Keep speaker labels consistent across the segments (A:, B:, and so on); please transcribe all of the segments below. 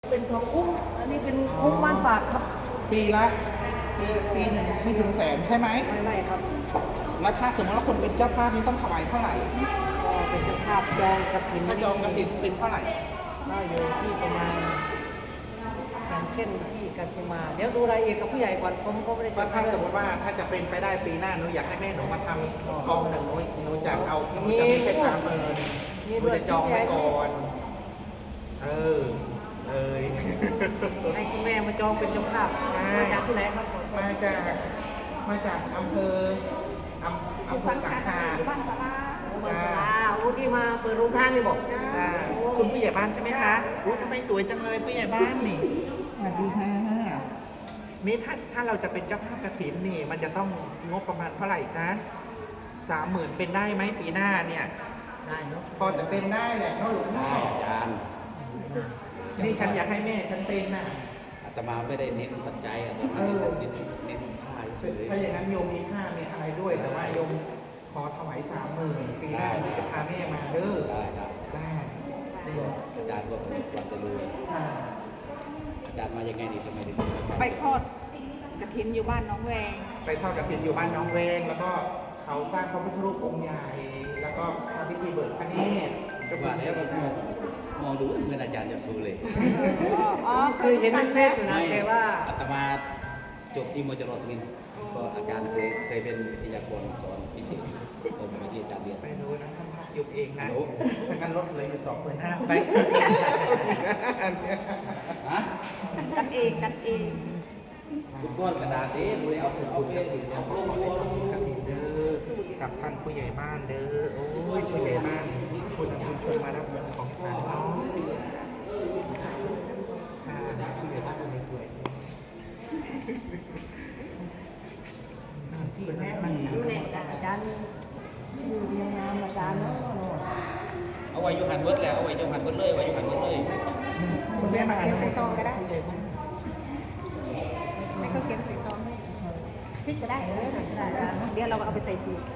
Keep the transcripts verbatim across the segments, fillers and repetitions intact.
A: เป็นสองคุ้มอันนี้เป็นคุ้มบ้านฝากครับ
B: ปีละปีปีหนึ่งไม่ถึงแสนใช่ไหม
A: ไม่ไม่ครับ
B: แล้วถ้าสมมติว่าคนเป็นเจ้าภาพนี่ต้องถวายเท่าไหร่
A: ก็เป็นเจ้าภาพจองกระถิ่น
B: ถ้าจองกระถิ่นเป็นเท่าไหร่
A: ก็อยู่ที่ประมาณอย่างเช่นที่กสิมาเดี๋ยวดูรายละเอียดกับผู้ใหญ่ก่อนผมก็ไม่ได้
B: ว่าถ้าสมมติว่าถ้าจะเป็นไปได้ปีหน้าหนูอยากให้แม่หนูมาทำกองหนึ่งหนูหนูจะเอาหนูจะมีแค่สามหมื่นหนูจะจองไว้ก่อนเออเลย
A: ให้คุณแม่มาจองเป็นเจ้าภาพมาจากที่ไหนครับ
B: มาจากมาจากอำเภออำอำเภอสังขาร
A: บ้านสาราบ้านสาราโอ้ที่มาเปิดโรงทานนี่บอก
B: คุณผู้ใหญ่บ้านใช่ไหมคะรู้ทำไมสวยจังเลยผู้ใหญ่บ้านนี่สวัสดีค่ะนี่ถ้าถ้าเราจะเป็นเจ้าภาพกฐินนี่มันจะต้องงบประมาณเท่าไหร่จ๊ะสามหมื่นเป็นได้ไหมปีหน้าเนี่ย
A: ได้เนาะ
B: พอจะเป็นได้แหละเพราะหลวงพ่อ
C: อาจารย์
B: นี่ฉันอยากให้แม่ฉันเป็นน่ะ
C: อาตมาไม่ได้เน้นปัจจัยอาตมาเน้นเน้นผ้าเฉย
B: ถ้าอย่างนั้นโยมมีผ้ามีอะไรด้วยแต่ว่าโยมขอถวายสามหมื่นปีหน้าจะพาแม่มาเด้อ
C: ได้ได้
B: ได้
C: อาจารย์ก็เป็นวันจะรวยอาจารย์มายังไงนี่ทำไมถึง
D: ไปทอดกระถินอยู่บ้านน้องแวง
B: ไปทอดกระถินอยู่บ้านน้องแวงแล้วก็เขาสร้างพระพุทธรูปองค์ใหญ่แล้วก็ทำพิธีเบิกพระเนตร
C: ว่าแล้วก็มองดูเหมือนอาจารย์จะสู้เลย
A: อ๋อคือเห็นในเฟซอยู่นะแต่ว่า
C: อาตมาจบที่มจรสุรินทร์ก็อาจารย์เคยเคยเป็นวิทยากรสอนพิเศษตอนสมัยที่อาจารย์เรียน
B: ไม่รู้นะท่านพักยุบเองนะถ้างั้นลดเลยอยู่สองหมื่นห้าไป
D: กันเองกันเอง
C: ฟุตบอลกระดาษเด้ดูแล้วเอาไปเอาลงตัวลง
B: กับเด้อกับท่านผู้ใหญ่บ้านเด้อโอ้ยผู้ใหญ่บ้านคุณคุณชวนมารับเงินของฉันเนาะค่ะผู้ใหญ่บ้านคนนี้สวยคุณแม่มา
A: อาจารย์อยู่เรียงงามอาจารย์เนาะ
C: เอาไว้ยูหันเวิร์ดแล้วเอาไว้ยูหันเวิร์ดเลยไว้ยูหันเวิร์ดเลย
B: คุณแม่มา
D: เขียนใส่ซองก็ได้ไม่ก็เขียนใส่ซองได้พริกก็ได้เดี๋ยวเราเอาไปใส่สูตร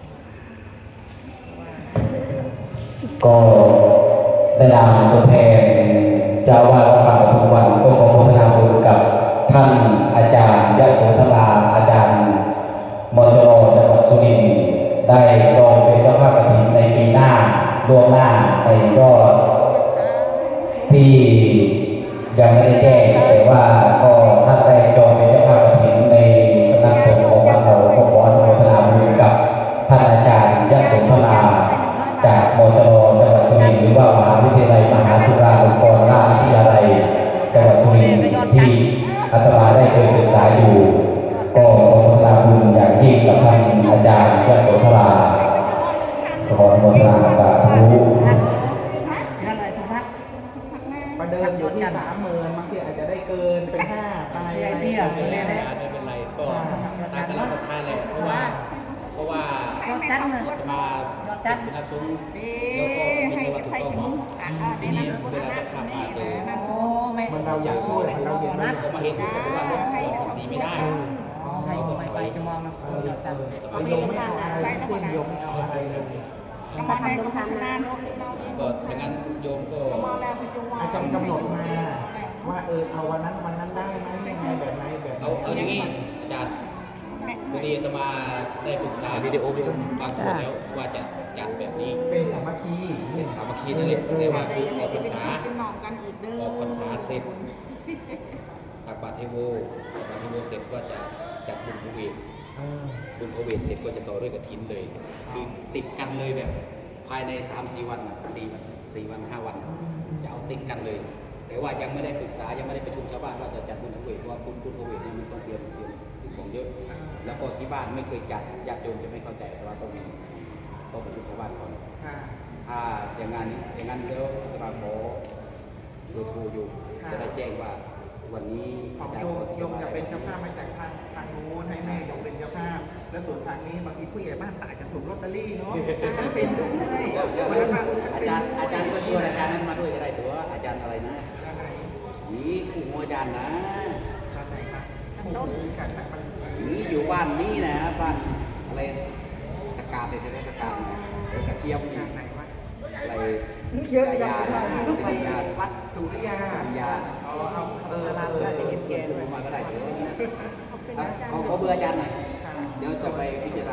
E: ก็ได้นำตัวแทนเจ้าวาดวัดป่าปทุมวันก็ขอพัฒนาบุญกับท่านอาจารย์ยโสธราอาจารย์มจรจังหวัดสุรินทร์ได้จองเป็นเจ้าภาพกฐินในปีหน้าล่วงหน้าในยอดที่ยังไม่ได้แจ้งแต่ว่าก็ท่านได้จองเป็นเจ้าภาพกฐินในสำนักสงฆ์ของวัดเราก็ขออนุโมทนาบุญกับท่านอาจารย์ยโสธราจากมจรจังหวัดสุรินทร์หรือว่ามหาวิทยาลัยมหาจุฬาลงกรณราชวิทยาลัยจังหวัดสุรินทร์ที่อาตมาได้เคยศึกษาอยู่ก็ขอพัฒนาบุญอย่างยิ่งกับท่านอาจารย์ยโสธราขออนุโมทนาสาธุ
A: ท่านอะไรสุทัศน์
B: ประเดิมอยู่ที่สามหมื่นบางทีอาจจะได้เกินเป็นห้าไป
A: ไอเดีย
C: ไม่เป็นไรก็ตามกำลังศรัทธาแหละเพราะว่าเพราะว่า
A: จัดมา
C: มาจัดสนับสนุนแล้วก็
D: ให้ใส่ถุงอ่าในนั้นเวลาจะขับมาเลยโอ้ไม่
B: มันเราอยากช่วยมันเราอยาก
C: นะก็มาเห็นแต่ว่าเราสีไม่ได้
A: ให้ไปไปจะมองนะจัด
B: เอาโยมไม่เอาอะไรเส้นโยมไม่เอาอะไรเลย
D: กำลังได้ก็ทำหน้าโน้ต
C: ก็ดังนั้นโยมก็
B: อาจารย์กำหนดมาว่าเออเอาวันนั้นวันนั้นได้ไหมยังไงแบบไหนแบบ
C: เอาเอาอย่างนี้อาจารย์พอดีอาตมาได้ปรึกษาวิดีโอวิดีโอบางส่วนแล้วว่าจะจัดแบบนี้
B: เป็นสามัคคี
C: เป็นสามัคคีนั่นเองเรียกว่าคือออกพรรษาออกพรรษาเสร็จตักบาตรเทโวตักบาตรเทโวเสร็จก็จะจัดบุญพระเวทบุญพระเวทเสร็จก็จะต่อด้วยกฐินเลยคือติดกันเลยแบบภายใน สามสี่ วันสี่วันสี่วันห้าวันจะเอาติดกันเลยแต่ว่ายังไม่ได้ปรึกษายังไม่ได้ประชุมชาวบ้านว่าจะจัดบุญพระเวทเพราะว่าบุญบุญพระเวทนี่มันต้องเตรียมเตรียมสิ่งของเยอะแล้วก็ที่บ้านไม่เคยจัดญาติโยมจะไม่เข้าใจแต่ว่าต้องต้องประชุมชาวบ้านก่อนถ้าอย่างนั้นอย่างนั้นเดี๋ยวสมาขอโทรโทรอยู่จะได้แจ้งว่าวันนี้
B: โยมโยมจะเป็นเจ้าภาพมาจากทางทางนู้นให้แม่โยมเป็นเจ้าภาพและส่วนทางนี้บางทีผู้ใหญ่บ้านอาจจะถูกลอตเตอรี่เนาะฉันเป็นด้วย
C: อาจารย์อาจารย์ก็ชวนอาจารย์นั้นมาด้วยก็ได้ตัวอาจารย์อะไรนะนี่คู่หัวอาจารย์นะนี่อยู่บ้านนี่นะบ้านอะไรสกาดเลยใช่ไหมสกาดเดี๋ยวกระเทียม
B: จากไหนวะ
C: อะไร
A: เยอะ
C: ยา
A: จัง
C: ยาสิยา
B: วัดสุริยา
C: สุริยา
B: อ๋อเอา
C: เออเออเขียนเขียนมาก็ได้เดี๋ยวเขาเขาเบอร์อาจารย์หน่อย
B: ค่ะ
C: เดี๋ยวจะไปพิจารณา